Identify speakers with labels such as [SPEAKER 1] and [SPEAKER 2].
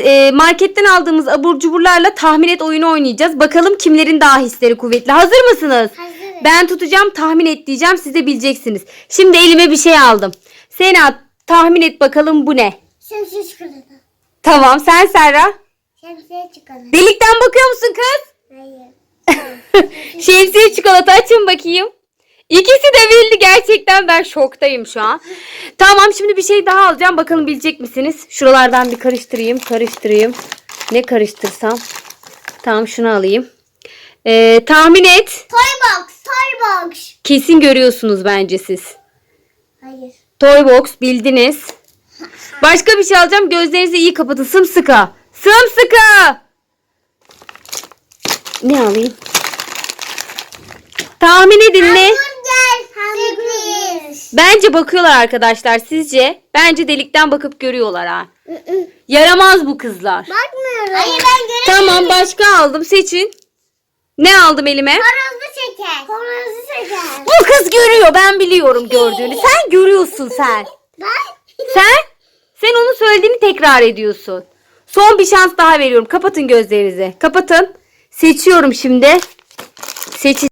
[SPEAKER 1] marketten aldığımız abur cuburlarla tahmin et oyunu oynayacağız. Bakalım kimlerin daha hisleri kuvvetli. Hazır mısınız?
[SPEAKER 2] Hazırım.
[SPEAKER 1] Ben tutacağım, tahmin et diyeceğim. Siz de bileceksiniz. Şimdi elime bir şey aldım. Sena, tahmin et bakalım bu ne?
[SPEAKER 2] Şemsiye çikolata.
[SPEAKER 1] Tamam, sen Serra.
[SPEAKER 2] Şemsiye çikolata.
[SPEAKER 1] Delikten bakıyor musun kız?
[SPEAKER 2] Hayır.
[SPEAKER 1] Şemsiye çikolata, açın bakayım. İkisi de bildi gerçekten, ben şoktayım şu an. Tamam, şimdi bir şey daha alacağım, bakalım bilecek misiniz? Şuralardan bir karıştırayım. Ne karıştırsam? Tamam, şunu alayım. Tahmin et.
[SPEAKER 2] Toy box.
[SPEAKER 1] Kesin görüyorsunuz bence siz.
[SPEAKER 2] Hayır.
[SPEAKER 1] Toy box bildiniz. Başka bir şey alacağım, gözlerinizi iyi kapatın, sımsıkı. Sımsıkı. Ne alayım? Tahmin edin ne?
[SPEAKER 2] Hamburger.
[SPEAKER 1] Bence bakıyorlar arkadaşlar, sizce? Bence delikten bakıp görüyorlar ha. Yaramaz bu kızlar.
[SPEAKER 2] Bakmıyorum. Hayır ben göremiyorum.
[SPEAKER 1] Tamam, başka aldım, seçin. Ne aldım elime?
[SPEAKER 2] Horozlu şeker. Horozlu şeker.
[SPEAKER 1] Bu kız görüyor, ben biliyorum gördüğünü. Sen görüyorsun sen.
[SPEAKER 2] Ben?
[SPEAKER 1] Sen onun söylediğini tekrar ediyorsun. Son bir şans daha veriyorum. Kapatın gözlerinizi. Kapatın. Seçiyorum şimdi.